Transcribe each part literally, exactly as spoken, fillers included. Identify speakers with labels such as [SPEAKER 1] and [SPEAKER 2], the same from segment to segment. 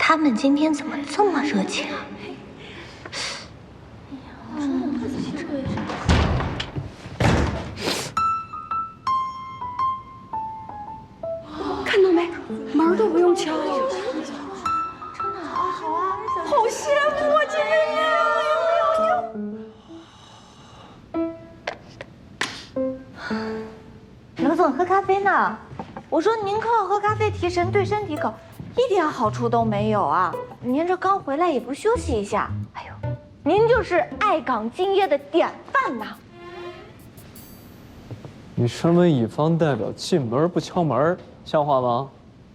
[SPEAKER 1] 他们今天怎么这么热情啊？
[SPEAKER 2] 看到没，门都不用敲。真的
[SPEAKER 1] 啊，好啊，
[SPEAKER 2] 好羡慕啊，姐妹们！
[SPEAKER 1] 刘总喝咖啡呢。我说您靠喝咖啡提神，对身体可一点好处都没有啊！您这刚回来也不休息一下，哎呦，您就是爱岗敬业的典范呐！
[SPEAKER 3] 你身为乙方代表，进门不敲门，像话吗？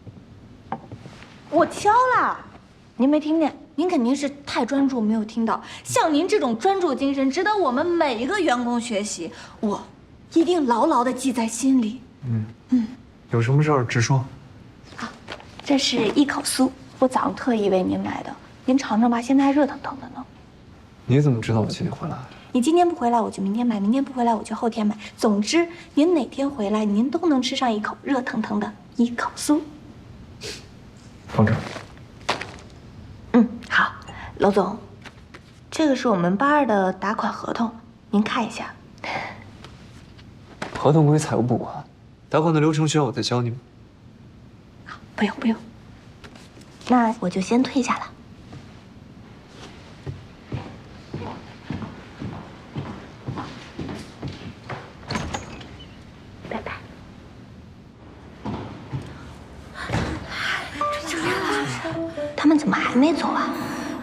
[SPEAKER 1] 我敲了，您没听见？您肯定是太专注没有听到。像您这种专注精神，值得我们每一个员工学习，我一定牢牢地记在心里。
[SPEAKER 4] 嗯嗯，有什么事儿直说。
[SPEAKER 1] 好，这是一口酥，我早上特意为您买的，您尝尝吧，现在还热腾腾的呢。
[SPEAKER 4] 你怎么知道我今天回来？
[SPEAKER 1] 你今天不回来，我就明天买；明天不回来，我就后天买。总之，您哪天回来，您都能吃上一口热腾腾的一口酥。
[SPEAKER 4] 放这儿。
[SPEAKER 1] 嗯，好，娄总，这个是我们八二的打款合同，您看一下。
[SPEAKER 4] 合同归财务部管，打款的流程需要我再教你吗？
[SPEAKER 1] 不用不用，那我就先退下了。拜拜。这就来了，他们怎么还没走啊？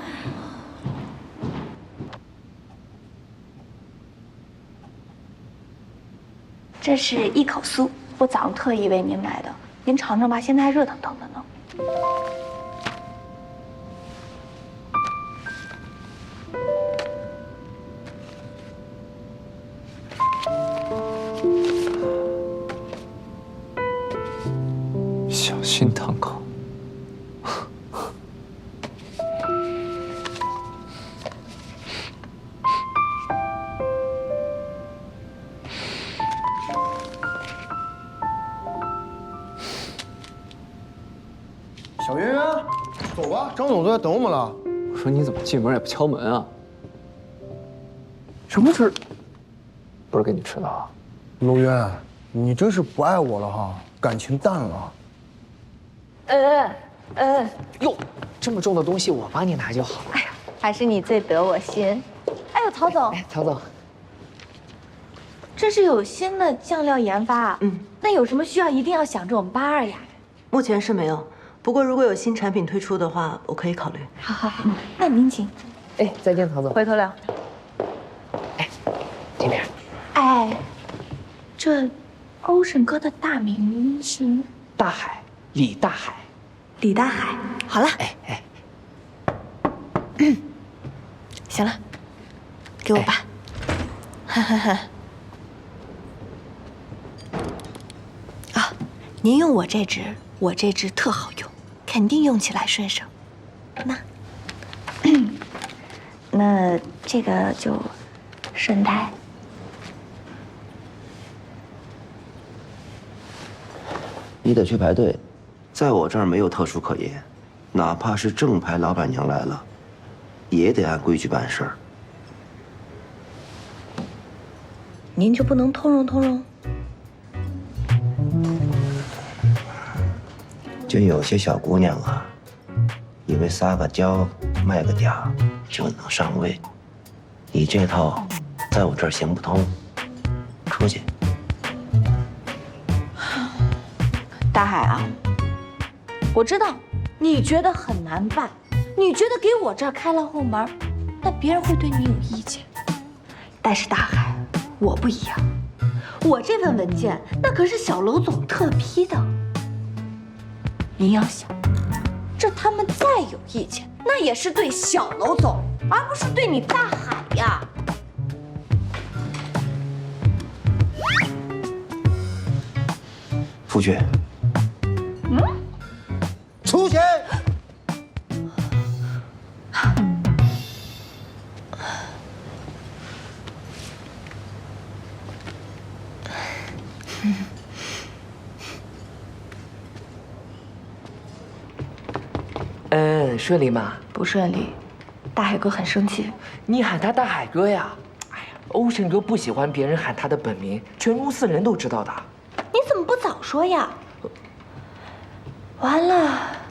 [SPEAKER 1] 这是一口酥，我早上特意为您买的，您尝尝吧，现在还热腾腾的呢。
[SPEAKER 4] 小心烫口。
[SPEAKER 5] 小圆圆，走吧，张总都在等我们了。
[SPEAKER 4] 我说你怎么进门也不敲门啊？什么事？不是给你吃的啊？
[SPEAKER 5] 楼渊，你真是不爱我了哈，感情淡了。
[SPEAKER 6] 呃呃，哟，这么重的东西我帮你拿就好了。
[SPEAKER 1] 哎呀，还是你最得我心。哎呦，曹总，
[SPEAKER 6] 哎，曹总，
[SPEAKER 1] 这是有新的酱料研发啊。嗯，那有什么需要一定要想着我们八二呀。
[SPEAKER 7] 目前是没有，不过如果有新产品推出的话，我可以考虑。
[SPEAKER 1] 好好好，那您请。
[SPEAKER 6] 哎，再见，曹总。
[SPEAKER 1] 回头聊。
[SPEAKER 6] 哎，这边。
[SPEAKER 1] 哎，这欧神哥的大名是
[SPEAKER 6] 大海，李大海。
[SPEAKER 1] 李大海。好了，
[SPEAKER 6] 哎哎，
[SPEAKER 1] 行了，给我吧。哈哈哈。啊，您用我这支，我这支特好用，肯定用起来顺手。那，那这个就顺带。
[SPEAKER 8] 你得去排队，在我这儿没有特殊可言，哪怕是正牌老板娘来了，也得按规矩办事儿。
[SPEAKER 1] 您就不能通融通融？
[SPEAKER 8] 就有些小姑娘啊，以为撒个娇卖个嗲就能上位，你这套在我这儿行不通，出去。
[SPEAKER 1] 大海啊，我知道你觉得很难办，你觉得给我这儿开了后门，那别人会对你有意见。但是大海，我不一样，我这份文件那可是小娄总特批的。您要想，这他们再有意见，那也是对小娄总，而不是对你大海呀。
[SPEAKER 8] 出去。
[SPEAKER 1] 嗯，
[SPEAKER 5] 出去。
[SPEAKER 6] 嗯，顺利吗？
[SPEAKER 1] 不顺利，大海哥很生气。
[SPEAKER 6] 你喊他大海哥呀？哎呀，欧神哥不喜欢别人喊他的本名，全公司人都知道的。
[SPEAKER 1] 你怎么不早说呀？完了。